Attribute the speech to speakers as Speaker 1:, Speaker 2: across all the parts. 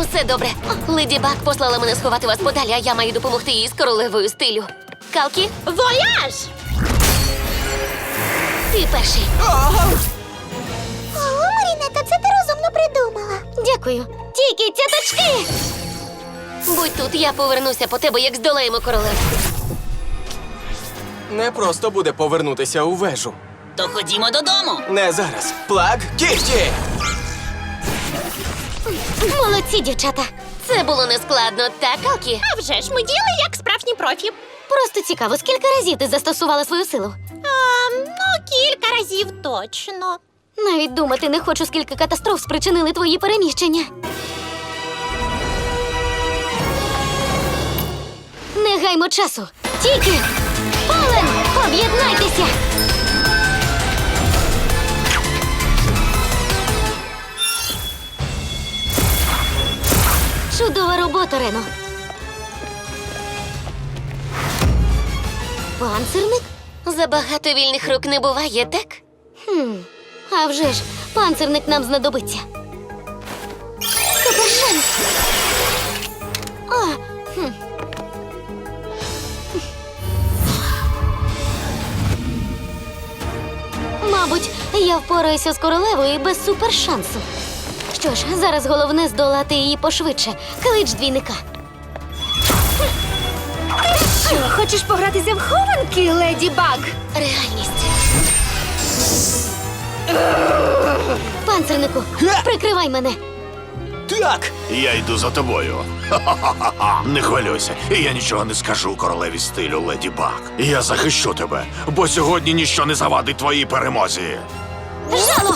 Speaker 1: Усе добре. Леді Баг послала мене сховати вас подалі, а я маю допомогти їй з королевою стилю. Калкі,
Speaker 2: Вояж!
Speaker 1: ти перший.
Speaker 3: О, Марінета, це ти розумно придумала.
Speaker 1: Дякую. Тільки цяточки! Будь тут, я повернуся по тебе, як здолаємо королеву.
Speaker 4: Не просто буде повернутися у вежу.
Speaker 2: То ходімо додому.
Speaker 4: Не зараз. Плаг кіхті!
Speaker 1: Молодці, дівчата. Це було нескладно, так, Калкі?
Speaker 2: А вже ж ми діли як справжні профі.
Speaker 1: Просто цікаво, скільки разів ти застосувала свою силу?
Speaker 2: Кілька разів точно.
Speaker 1: Навіть думати не хочу, скільки катастроф спричинили твої переміщення. Не гаймо часу. Тільки! Полен! Об'єднайтеся! Чудова робота, Рено. Панцирник? Забагато вільних рук не буває, так? А вже ж, панцирник нам знадобиться. Супершанс! Мабуть, я впораюся з королевою без супершансу. Що ж, зараз головне здолати її пошвидше. Клич двійника.
Speaker 5: Що, хочеш погратися в хованки, Леді Баг?
Speaker 1: Реальність. Панцирнику, прикривай мене.
Speaker 4: Так!
Speaker 6: Я йду за тобою. Ха-ха-ха-ха. Не хвилюйся, я нічого не скажу королеві стилю, Леді Баг. Я захищу тебе, бо сьогодні ніщо не завадить твоїй перемозі.
Speaker 1: Жало!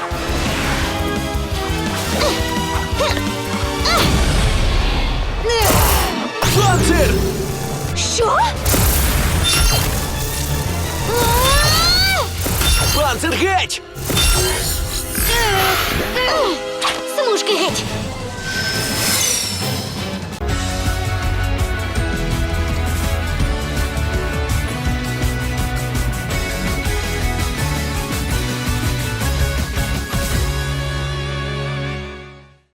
Speaker 4: Панцир!
Speaker 5: Що?
Speaker 4: Панцир геть!